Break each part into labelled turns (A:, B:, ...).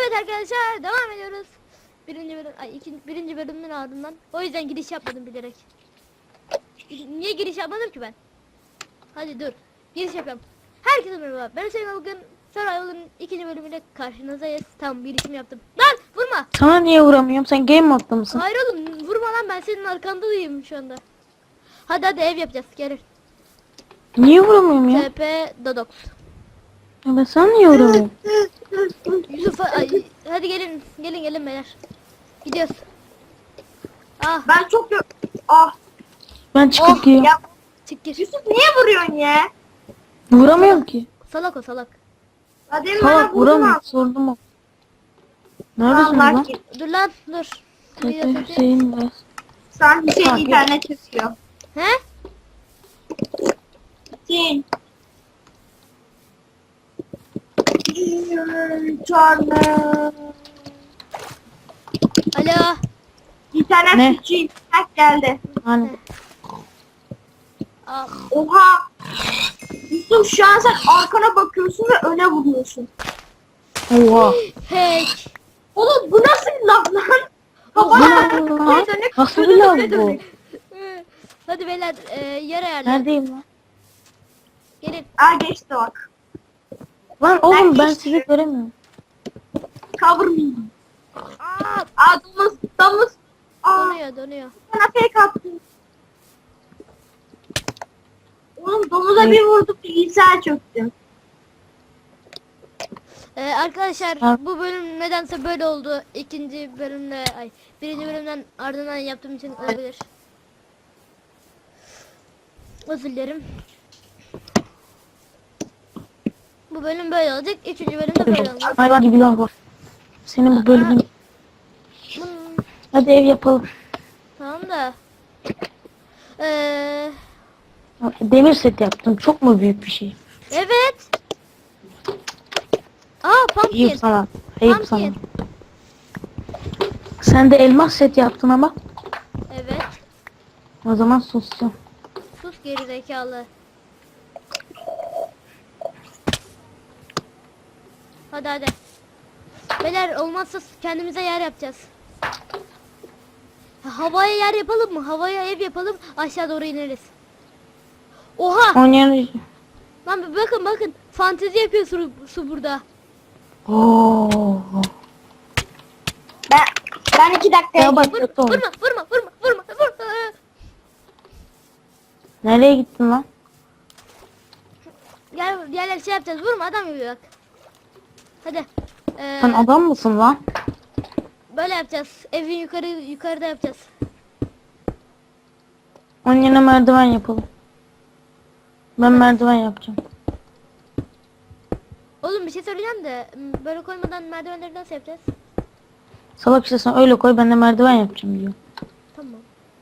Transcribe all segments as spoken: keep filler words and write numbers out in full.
A: Evet arkadaşlar devam ediyoruz. Birinci bölüm, ay ikinci, birinci bölümün ardından. O yüzden giriş yapmadım bilerek. Niye giriş yapmadım ki ben? Hadi dur. Giriş yapalım. Herkese merhaba. Ben Hüseyin, bugün Survival'ın ikinci bölümüyle karşınızdayız. Tamam, girişimi yaptım. Lan vurma.
B: Sana niye vuramıyorum? Sen game modda mısın?
A: Hayır oğlum, vurma lan, ben senin arkandayım şu anda. Hadi hadi ev yapacağız, gelin.
B: Niye vuramıyorum ya?
A: T P Dodox.
B: Ya ben sana niye vuramıyorum?
A: Yusuf ay, hadi gelin gelin gelin beyler. Gidiyoruz. Ah
C: Ben çok gö- ah
B: Ben çıkıp
A: Oh,
B: gidiyorum.
C: ya
A: çık gir.
C: Yusuf niye vuruyorsun ya?
B: Vuramıyorum ki.
A: Salak o salak.
C: Ya demin bana
B: Salak
C: vurdun
B: vuramıyorum.
C: ha.
B: Sordum o. Neredesin
C: Allah
B: lan?
C: ki.
A: Dur lan dur. Bir
B: Tepe
A: yapayım.
B: Hüseyin Bey.
C: Sen Hüseyin
B: Ha,
C: internet çekiyor.
A: He?
C: Hüseyin. Canım.
A: Alo.
C: İnternet
B: Ne?
C: suçu internet geldi.
B: Hani
A: Aa,
C: Oha. Yusuf şu an sen arkana bakıyorsun ve öne vuruyorsun.
B: oha.
A: hack.
C: Oğlum bu nasıl laf lan?
B: Bu ne lan? Nasıl bir lav bu?
A: Hadi beyler e, yer ayarla.
B: Neredeyim lan?
A: Gelin.
C: Aa geçti bak.
B: Lan oğlum ben
C: geçtim.
B: sizi göremiyorum.
C: Cover me.
A: Aa,
C: Aa domuz domuz. Aa
A: donuyor donuyor.
C: bana fake attın. Oğlum domuza
B: Ne?
C: bir vurduk bilgisayar çöktü.
A: Ee, arkadaşlar
B: Ha.
A: bu bölüm nedense böyle oldu. İkinci bölümle ay birinci bölümden ardından yaptığım için olabilir. Özür dilerim. Bu bölüm böyle olacak. Üçüncü bölümde böyle olacak.
B: Hayvan gibi lav var. Senin bu bölümün.
A: Bunun,
B: Hadi ev yapalım.
A: tamam da. Ee,
B: Demir set yaptım. Çok mu büyük bir şey?
A: evet. Aa pumpkin.
B: Ayıp sana. Ayıp sana.
A: Pumpkin.
B: Sen de elmas set yaptın ama.
A: Evet.
B: O zaman susacağım.
A: Sus geri zekalı. Hadi hadi. Beyler olmazsa kendimize yer yapacağız. Ha, havaya yer yapalım mı? Havaya ev yapalım. Aşağı doğru ineriz. Oha!
B: Onun yerine...
A: Lan bir bakın bakın. Fantezi yapıyor su, su burada.
B: Oo.
C: Ben ben iki dakikaya
B: Ya bak
A: Vur,
B: kötü olmuş.
A: vurma vurma vurma vurma vurma.
B: Nereye gittin lan?
A: Gel gel şey yapacağız. Vurma adam gibi bak. Hadi. Ee,
B: Sen adam mısın lan?
A: böyle yapacağız. Evin yukarı yukarıda yapacağız.
B: Onun yerine merdiven yapalım. Ben merdiven yapacağım.
A: Oğlum bir şey söyleyeceğim de m, böyle koymadan merdivenleri nasıl yapacağız?
B: Salak işte sen öyle koy ben de merdiven yapacağım diyor.
A: Tamam.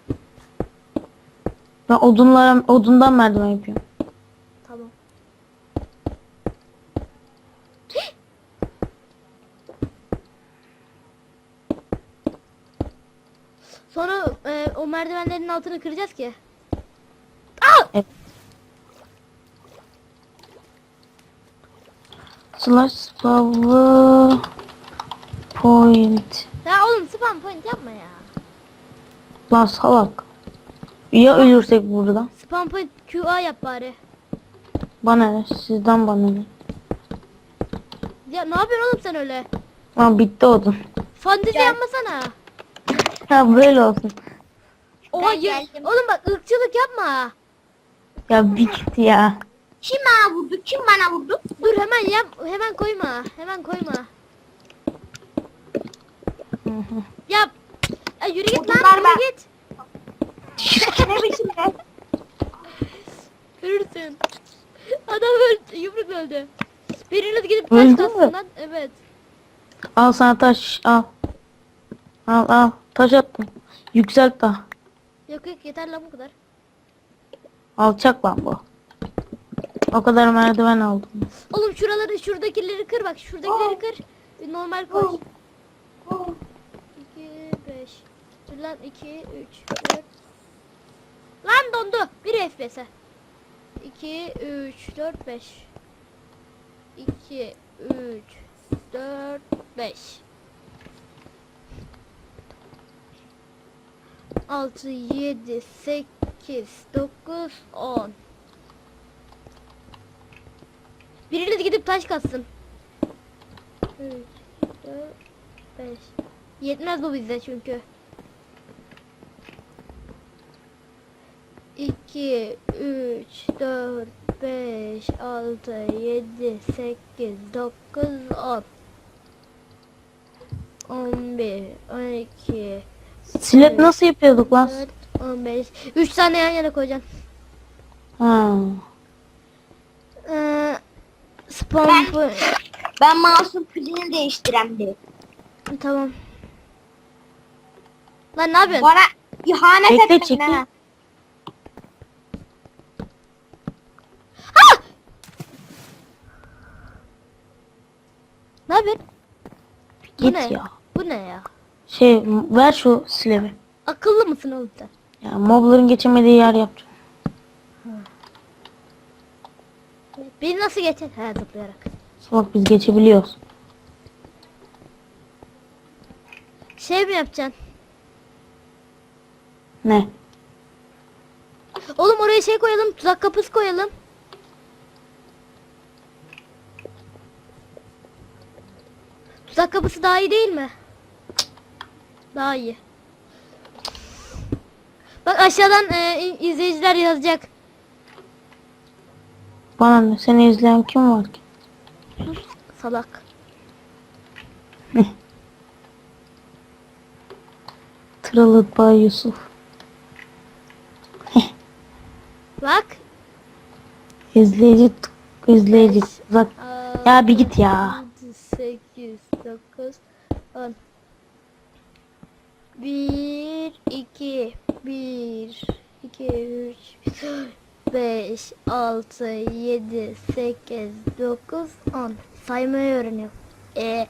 B: Ben odunlara odundan merdiven yapıyorum.
A: Tamam. Sonra e, o merdivenlerin altını kıracağız ki. Aa!
B: Evet. Slash power point.
A: Ya oğlum spam point yapma ya.
B: Lan salak. Ya ölürsek burada?
A: Spam point Q A yap bari.
B: Bana ne? Sizden bana ne?
A: Ya ne yapıyorsun oğlum sen öyle?
B: Lan bitti odun.
A: Fantezi
C: Gel.
A: yapmasana.
B: Ha böyle olsun.
A: Oha
C: Ben
A: ya-
C: geldim.
A: oğlum bak ırkçılık yapma.
B: Ya bitti ya.
C: Kim bana vurdu? Kim bana vurdu?
A: Dur hemen yap, hemen koyma, hemen koyma. Yap. Ya yürü git lan,
C: Bunlar
A: yürü
C: ben-
A: git.
C: Ne biçim be?
A: Ölürsün. Adam öldü, yumruk öldü. Biriniz gidip taş
B: Öldü
A: katsın
B: mü?
A: lan. Evet.
B: Al sana taş al. Al al taş attım. Yükselt daha.
A: Yok yok yeter lan bu kadar.
B: Alçak lan bu. O kadar merdiven aldım.
A: Oğlum şuraları, şuradakileri kır bak, şuradakileri kır. Bir normal koy. iki, beş. Dur lan iki, üç, dört. Lan dondu. bir F P S'e. iki, üç, dört, beş. iki, üç, dört, beş. altı, yedi, sekiz, dokuz, on. Biriniz gidip taş katsın. üç, dört, beş. Yetmez bu bize çünkü. iki, üç, dört, beş, altı, yedi, sekiz, dokuz, on. on bir, on iki,
B: Slab nasıl yapıyorduk lan?
A: dört, on beş. üç tane yan yana koyacaksın.
B: Ha.
A: Ee, spawn
C: Ben-
A: point.
C: Ben mouse'un pilini değiştirem diye.
A: Tamam. Lan ne yapıyorsun?
C: Bana ihanet
B: Bekle,
C: ettin
B: çekil.
C: ha.
A: Ne yapıyorsun? Bu
B: Git
A: ne?
B: ya.
A: Bu ne ya?
B: Şey ver şu slab'i.
A: Akıllı mısın oğlum sen?
B: Ya mobların geçemediği yer yapacağım.
A: Beni nasıl geçer? He, zıplayarak.
B: Bak biz geçebiliyoruz.
A: Şey mi yapacaksın?
B: Ne?
A: Oğlum oraya şey koyalım, tuzak kapısı koyalım. Tuzak kapısı daha iyi değil mi? Daha iyi. Bak aşağıdan e, in- izleyiciler yazacak.
B: Bana ne? Seni izleyen kim var ki?
A: Salak.
B: Tralı Bay Yusuf.
A: Bak.
B: İzleyici t- izleyici. Uzak.
A: altı,
B: Ya bir git ya.
A: yedi, sekiz, dokuz, on. bir, iki, bir, iki, üç, beş, altı, yedi, sekiz, dokuz, on. Saymayı öğreniyor. E.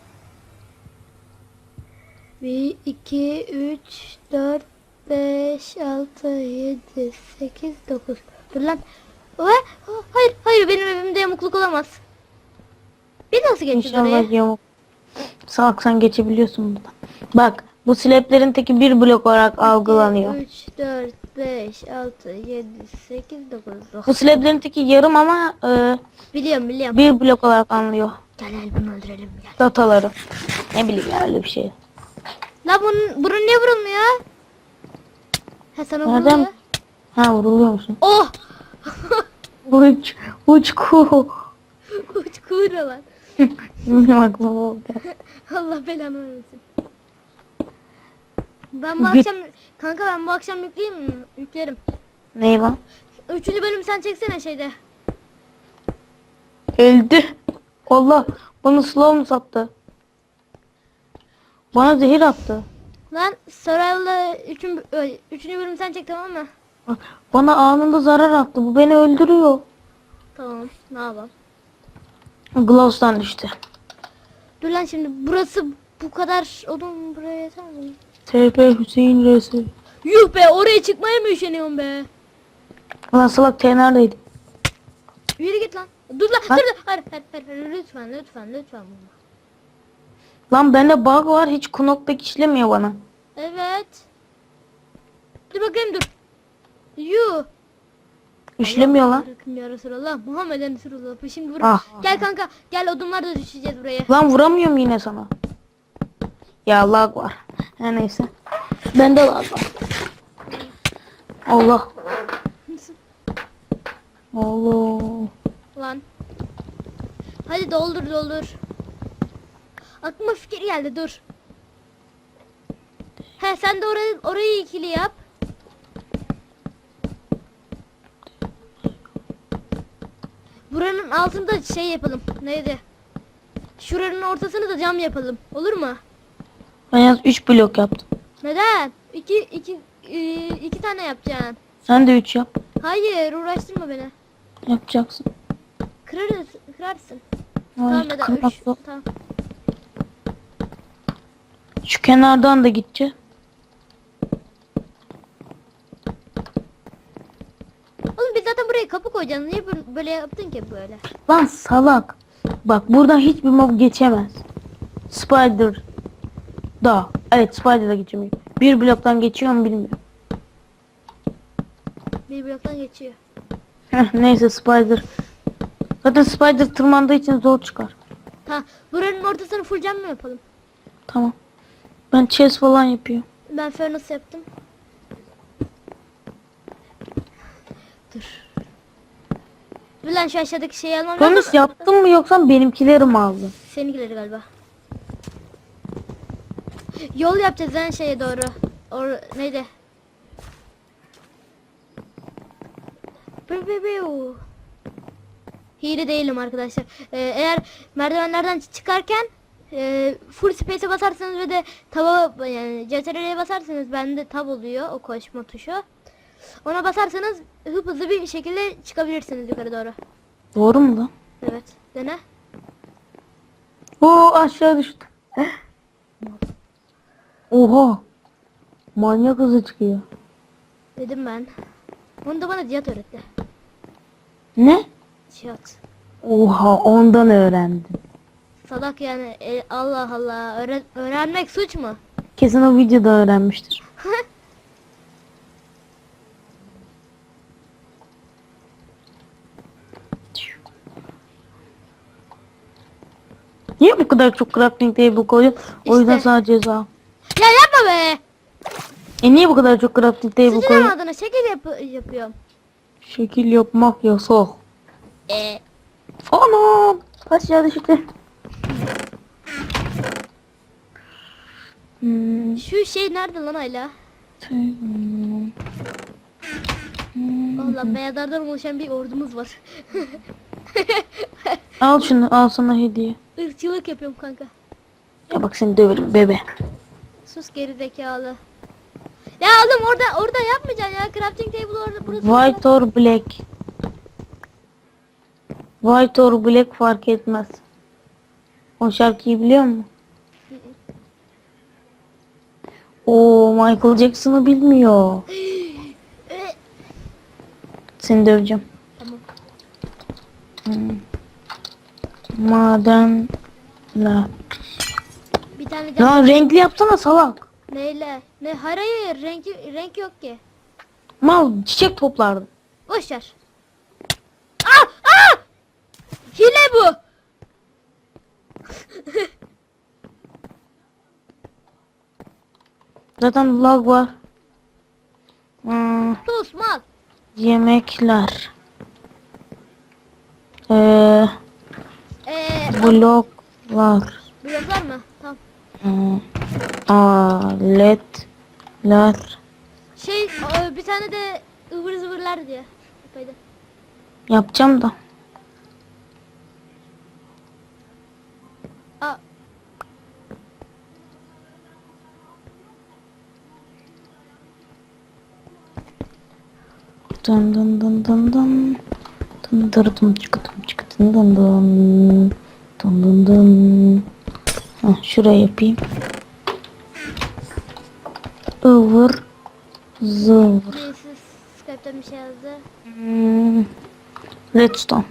A: bir, iki, üç, dört, beş, altı, yedi, sekiz, dokuz. Dur lan. Ve, hayır, hayır benim evimde yamukluk olamaz. Bir nasıl geçeceğiz oraya?
B: İnşallah yamuk. Salak sen geçebiliyorsun buradan. Bak bu slablerin teki bir blok olarak algılanıyor.
A: üç, dört, beş, altı, yedi, sekiz, dokuz,
B: Bu
A: dokuz.
B: slablerin teki yarım ama e,
A: Biliyorum biliyorum.
B: bir blok olarak anlıyor.
A: Gel gel bunu öldürelim gel.
B: Dataları. Ne bileyim ya öyle bir şey.
A: La bunun, bunun niye vurulmuyor? He sana
B: Nereden?
A: vuruluyor.
B: Ha vuruluyor musun?
A: Oh!
B: Uç. Uç ku.
A: Uç kuyruğu lan.
B: Benim aklıma oldu.
A: Allah belanı vermesin. Ben bu
B: Bir-
A: akşam kanka ben bu akşam yükleyeyim mi? Yüklerim.
B: Ney lan?
A: Üçüncü bölüm sen çeksene şeyde.
B: Öldü. Allah. Bana slow mu sattı? Bana zehir attı.
A: Lan Sorayla üçün, ö, üçüncü bölüm sen çek tamam mı?
B: Bana anında zarar attı. Bu beni öldürüyor.
A: Tamam ne yapalım.
B: Glows'tan düştü.
A: Dur lan şimdi burası bu kadar oğlum buraya yeter mi?
B: T P Hüseyin Resul.
A: Yuh be oraya çıkmaya mı üşeniyorsun be?
B: Lan salak T neredeydi?
A: Yürü git lan. Dur lan
B: Lan.
A: dur dur. Hayır, hayır, hayır, hayır, lütfen lütfen lütfen bunu.
B: Lan bende bug var. Hiç knockback işlemiyor bana.
A: Evet. Dur bakayım dur. Yuh.
B: İşlemiyor lan.
A: Bırakın ya Resulallah. Muhammeden Resulallah. Şimdi vur.
B: Ah.
A: Gel kanka. Gel odunlar da düşeceğiz buraya.
B: Lan vuramıyorum yine sana. Ya lag var. Her neyse. Bende lag var. Allah. Allah.
A: Lan. Hadi doldur doldur. Aklıma fikir geldi dur. He sen de orayı, orayı ikili yap. Buranın altında şey yapalım. Neydi? Şuranın ortasını da cam yapalım. Olur mu?
B: Ben yalnız üç blok yaptım.
A: Neden? İki, iki, e, iki tane yapacaksın.
B: Sen de üç yap.
A: Hayır uğraştırma beni.
B: Yapacaksın.
A: Kırarız, kırarsın.
B: Hayır,
A: Tamam neden?
B: kırmak
A: Üç.
B: yok.
A: Tamam.
B: Şu kenardan da gideceğim.
A: Oğlum biz zaten buraya kapı koyacağız. Niye böyle- böyle yaptın ki böyle?
B: Lan salak. Bak buradan hiçbir mob geçemez. Spider. Da. Evet, Spider'da geçemiyorum. Bir bloktan geçiyor mu bilmiyorum.
A: Bir bloktan geçiyor.
B: Heh, neyse Spider. Zaten Spider tırmandığı için zor çıkar.
A: Ha, buranın ortasını full cam mı yapalım?
B: Tamam. Ben chest falan yapıyorum.
A: Ben furnace yaptım. Dur. Dur lan şu aşağıdaki şeyi almam lazım.
B: Bonus yaptın mı yoksa benimkileri mi aldın?
A: Seninkileri galiba. Yol yapacağız en şeye doğru. Or neydi? Biu biu biu. Hile değilim arkadaşlar. Ee, eğer merdivenlerden çıkarken e, full space'e basarsanız ve de taba yani C T R L'ye basarsanız bende tab oluyor o koşma tuşu. Ona basarsanız hıp hızlı bir şekilde çıkabilirsiniz yukarı doğru.
B: Doğru mu lan?
A: Evet. Dene.
B: Oo, aşağı düştüm. Oha. Manyak hızı çıkıyor.
A: Dedim ben. Onu da bana Cihat öğretti.
B: Ne?
A: Cihat.
B: Oha, ondan öğrendim.
A: Salak yani. E, Allah Allah. Öğren öğrenmek suç mu?
B: Kesin o videoda öğrenmiştir. Niye bu kadar çok crafting table koydun? O yüzden
A: İşte.
B: sana ceza.
A: Ya yapma be.
B: E niye bu kadar çok crafting table
A: Sıçrama
B: koydun?
A: adına şekil yap yapıyorum.
B: Şekil yapmak yasak.
A: E.
B: Anam. Aşağı düştü. Hmm.
A: Şu şey nerede lan hala? Allah beyazlardan oluşan bir ordumuz var.
B: Al şunu, al sana hediye.
A: Irkçılık yapıyorum kanka.
B: Ya bak seni döverim bebe.
A: Sus geri zekalı. Ya oğlum orada orada yapmayacaksın ya. Crafting table orada burası.
B: White or black. White or black fark etmez. O şarkıyı biliyor musun? Oo, Michael Jackson'ı bilmiyor.
A: E,
B: Seni döveceğim.
A: tamam.
B: Hmm. Madenler.
A: Bir tane cam.
B: Lan renkli yapsana salak.
A: Neyle? Ne? Hayır hayır. Renk, renk yok ki.
B: Mal çiçek toplardım.
A: Boş ver. Aa! Aa! Hile bu.
B: Zaten lag var. Hmm,
A: Sus mal.
B: yemekler. Ee,
A: Eee
B: bloklar.
A: bloklar mı? Tamam.
B: Hmm, aletler.
A: Şey o, bir tane de ıvır zıvırlar diye. Yapaydı.
B: Yapacağım da.
A: Aa.
B: Dın dın dın dın dın. Dın dır dın çıkıtım çıkıtın dın dın. Dın dın dın. Heh, şuraya yapayım. Ivır zıvır.
A: Birisi Skype'den bir şey yazdı.
B: Hmm. Redstone.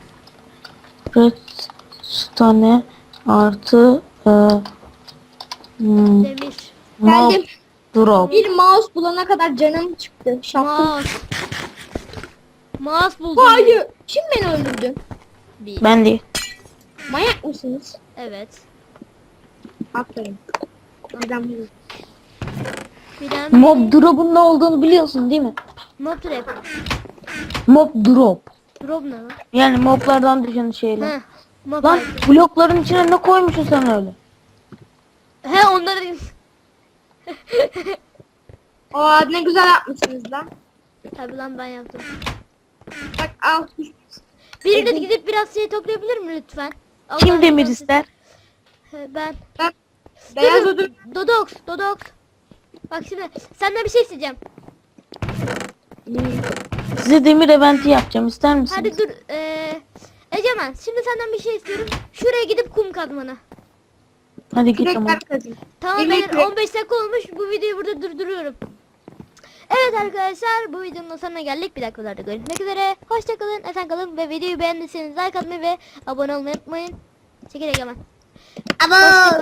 B: Redstone artı e, hmm,
A: Demir.
B: mob
C: Geldim.
B: drop.
C: Bir mouse bulana kadar canım çıktı. Şaptım.
A: Mouse. Mouse buldum.
C: Hayır. Kim beni öldürdü?
A: Bir.
B: Ben değil.
C: Manyak mısınız?
A: Evet.
C: Aferin. Neden bu?
A: Bir tane
B: Mob drop'un ne olduğunu biliyorsun değil mi?
A: mob trap.
B: Mob drop.
A: Drop ne lan?
B: Yani moblardan düşen şeyler.
A: He. Mob
B: Lan
A: item.
B: blokların içine ne koymuşsun sen öyle?
A: He onları
C: Aa ne güzel yapmışsınız lan.
A: tabi lan ben yaptım.
C: Bak al.
A: Biri de gidip biraz şey toplayabilir mi lütfen? Allah
B: Kim demir
A: razı olsun.
B: ister?
A: He, ben.
C: Bak. Beyaz
A: Dur,
C: ödül.
A: Dodox, Dodox. Bak şimdi senden bir şey isteyeceğim.
B: Size demir eventi yapacağım, ister misiniz?
A: Hadi dur. Ee, Egemen şimdi senden bir şey istiyorum. Şuraya gidip kum kazmanı.
B: Hadi git ama.
C: Kürekler kazın.
A: Tamam
C: Yemek
A: beyler
C: yok.
A: on beş dakika olmuş. Bu videoyu burada durduruyorum. Evet arkadaşlar bu videonun sonuna geldik. Bir dakikalarda görüşmek üzere. Hoşça kalın, esen kalın ve videoyu beğendiyseniz like atmayı ve abone olmayı unutmayın. Çekil Egemen. Abone